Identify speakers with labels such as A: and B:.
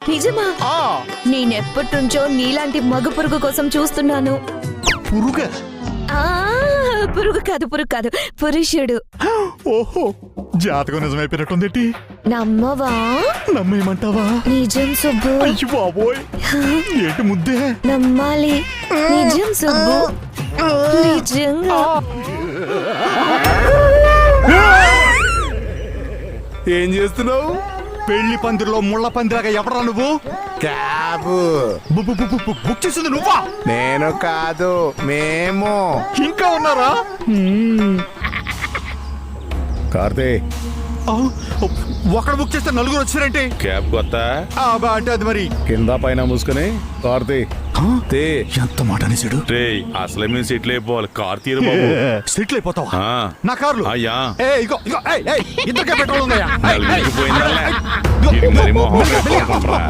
A: నిజమా? నేనెప్పటి నుంచో నీలాంటి మగ పురుగు కోసం చూస్తున్నాను.
B: పురుగా?
A: పురుగు కాదు పురుషుడు.
B: ఓహో, జాతకం నిజమైపోయినట్టుందేటి.
A: నమ్మవా?
B: నమ్మేయమంటావా?
A: నిజం సుబ్బు.
B: అయ్యో బాబోయ్, ఏంటి ముద్దే?
A: నమ్మాలి. నిజం సుబ్బు, నిజంగా.
B: ఏం చేస్తున్నావు? పెళ్లి పందిరిలో ముళ్ళ పందిరాగా ఎవరా నువ్వు?
C: క్యాబ్
B: బుక్ చేసింది నువ్వా?
C: నేను కాదు, మేము.
B: ఇంకా ఉన్నారా?
C: కార్తీ,
B: ఒకడు బుక్ చేస్తే నలుగురు వచ్చారంటే
D: క్యాబ్ కొత్త
B: అంటే అది మరి
C: కింద పైన మూసుకుని కార్తీ
B: ఎంత మాట అనేసాడు.
D: రే అసలే మేము సెటిల్ అయిపోవాలి. కార్ తీరు బాబు.
B: సెటిల్ అయిపోతావా?
D: ఆ.
B: నా కార్లు
D: అయ్యా
B: ఇద్దరికే పెట్రోల్ ఉందయ్యా.
D: నలుగురికి పోయిందా? ఇది మరి మొహం పెట్టుకోకుండా.